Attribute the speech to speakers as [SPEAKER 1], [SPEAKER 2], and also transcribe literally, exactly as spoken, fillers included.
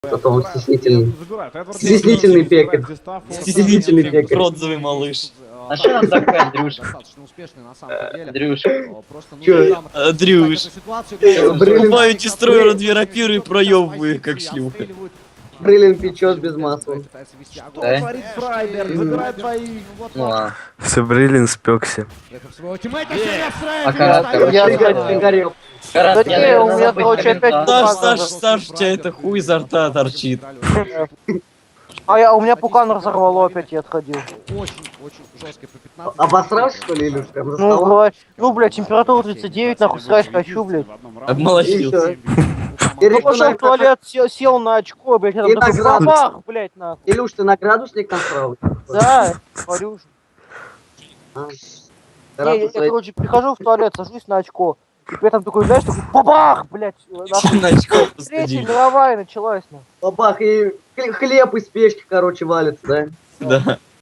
[SPEAKER 1] Зато он стеснительный.
[SPEAKER 2] Стеснительный
[SPEAKER 1] пекарь. Стеснительный пекарь.
[SPEAKER 3] Бронзовый малыш.
[SPEAKER 4] А что нам такое, Андрюша? Андрюша.
[SPEAKER 1] Чё?
[SPEAKER 3] Андрюш.
[SPEAKER 1] Брылин,
[SPEAKER 3] Покупаю эти строю две рапиры и проебываю их как шлюха.
[SPEAKER 1] Брылин печет без масла.
[SPEAKER 4] Да?
[SPEAKER 2] Творит Фрайберг, забирает двоих. Вот
[SPEAKER 4] Ну а.
[SPEAKER 5] Сабрилин спекся.
[SPEAKER 2] это своего тиммейта сейчас
[SPEAKER 4] А
[SPEAKER 2] Фрайберг.
[SPEAKER 4] Карат, короче,
[SPEAKER 1] Я
[SPEAKER 4] это-
[SPEAKER 1] горел.
[SPEAKER 4] Карат,
[SPEAKER 6] Да
[SPEAKER 4] я,
[SPEAKER 6] не,
[SPEAKER 4] наверное,
[SPEAKER 6] у меня,
[SPEAKER 4] забыть
[SPEAKER 6] короче,
[SPEAKER 4] момент,
[SPEAKER 6] опять
[SPEAKER 4] а?
[SPEAKER 3] Саш,
[SPEAKER 6] Пукан
[SPEAKER 3] Саш, Саш, у тебя это хуй изо рта торчит.
[SPEAKER 6] А я, у меня пукан разорвало опять, я отходил.
[SPEAKER 2] Очень, очень жесткий по пятнадцать.
[SPEAKER 1] Обосрался, что ли, или прям за
[SPEAKER 6] Ну,
[SPEAKER 1] столом?
[SPEAKER 6] говорю, ну, блядь, температура тридцать девять, нахуй, срать хочу, блядь.
[SPEAKER 3] Обмолотился.
[SPEAKER 6] Ну,
[SPEAKER 1] Илюш,
[SPEAKER 6] пошел
[SPEAKER 1] ты
[SPEAKER 6] в туалет, сел, сел на очко, блядь, я там
[SPEAKER 1] И
[SPEAKER 6] такой
[SPEAKER 1] награду.
[SPEAKER 6] бабах, блядь, нахуй.
[SPEAKER 1] Илюш, ты на градусник насрал?
[SPEAKER 6] Да, говорю же.
[SPEAKER 1] А.
[SPEAKER 6] Не,
[SPEAKER 1] Раз
[SPEAKER 6] я,
[SPEAKER 1] у своей-
[SPEAKER 6] короче, прихожу в туалет, сажусь на очко. И при этом такой, знаешь, такой бабах, блядь. нахуй.
[SPEAKER 3] На очко
[SPEAKER 6] Третья
[SPEAKER 3] посадили.
[SPEAKER 6] мировая началась, нахуй.
[SPEAKER 1] Бабах, и хле- хлеб из печки, короче, валится, да?
[SPEAKER 3] Да.